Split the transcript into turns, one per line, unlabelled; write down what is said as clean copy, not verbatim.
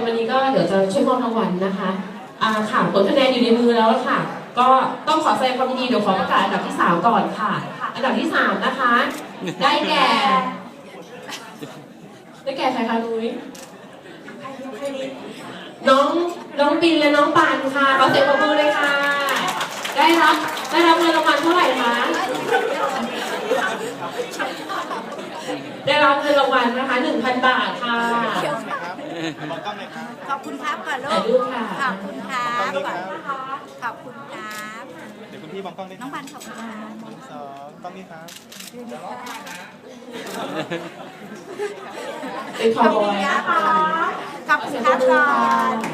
วันนี้ก็เดี๋ยวจะช่วยมอบรางวัลนะคะค่ะผลคะแนนอยู่ในมือแล้วค่ะก็ต้องขอแสดงความยินดีเดี๋ยวขอประกาศอันดับที่3ก่อนค่ะอันดับที่3นะคะได้แก่ใครคะนุ้ยน้องปินและน้องปานค่ะขอเสียงปรบมือเลยค่ะได้รับเงินรางวัลเท่าไหร่คะได้รับเงินรางวัลนะคะ 1,000 บาทค่ะ
ขอบคุณครับก่อนลูกขอบคุณครับก่อนขอบคุณครับ
เดี๋ยวคุณพี่มองกล้องได้
น้องพันขอบคุณครับ
2กล้องนี้ครับ
เป็นขอบคุณนะคะ
ขอบคุณครับก่อน